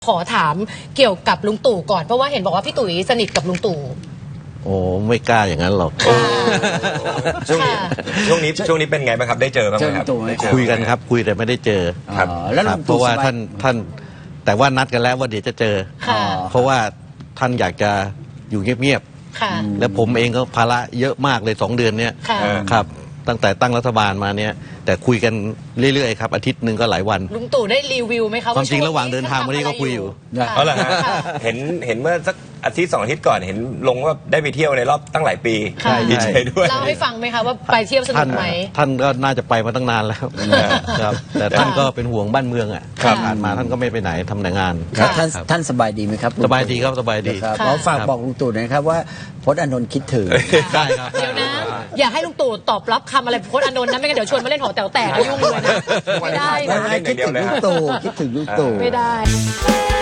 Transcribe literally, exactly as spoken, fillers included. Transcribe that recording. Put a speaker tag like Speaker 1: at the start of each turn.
Speaker 1: ขอถามเกี่ยวกับลุงตู่ก่อนเพราะว่าเห็นบอกว่าพี่ตุ๋ยสนิทกับลุงตู่
Speaker 2: โอ้ไม่กล้าอย่างนั้นหรอก
Speaker 3: ช่วงนี้ช่วงนี้ช่วงนี้เป็นไงบ้างครับได้เจอบ้างไหมครับ
Speaker 2: คุยกันครับคุยแต่ไม่ได้เจอ
Speaker 3: ครับ
Speaker 2: แล้วเพราะว่าท่านท่านแต่ว่านัดกันแล้วว่าเดี๋ยวจะเจอเพราะว่าท่านอยากจะอยู่เงียบๆแล้วผมเองก็ภาระเยอะมากเลยสองเดือนเนี้ยครับตั้งแต่ตั้งรัฐบาลมาเนี่ยแต่คุยกันเรื่อยๆครับอาทิตย์หนึ่งก็หลายวัน
Speaker 1: ลุงตู่ได้รีวิวไหมครับ
Speaker 2: ความจริงระหว่างเดินทางมานี่ก็คุยอยู่
Speaker 3: เอาล่ะเห็นเห็นเมื่อสักอาทิตย์สองอาทิตย์ก่อนเห็นลงว่าได้ไปเที่ยวในรอบตั้งหลายปีดีใจด้วย
Speaker 1: เล่าให้ฟังไหมคะว่าไปเที่ยวสนุกไหม
Speaker 2: ท่านก็น่าจะไปมาตั้งนานแล้วครับแต่ท่านก็เป็นห่วงบ้านเมืองอ่ะผ่านมาท่านก็ไม่ไปไหนทำแต่งาน
Speaker 4: ท่านท่านสบายดีไหมครับ
Speaker 2: สบายดีครับสบายดี
Speaker 4: ขอฝากบอกลุงตู่นะครับว่าพจน์อานนท์คิดถึง
Speaker 2: ได้ครับ
Speaker 1: เดี๋ยวนะอย่าให้ลุงตู่ตอบรับคำอะไรพจน์อานนท์นะไม่งั้นเดี๋ยวชวนมาเล่นหอแต๋วแตกยุ่งเลยนะไม่ได้นะ
Speaker 4: คิดถึงลุงตู่คิดถึงลุงตู่
Speaker 1: ไม่ได้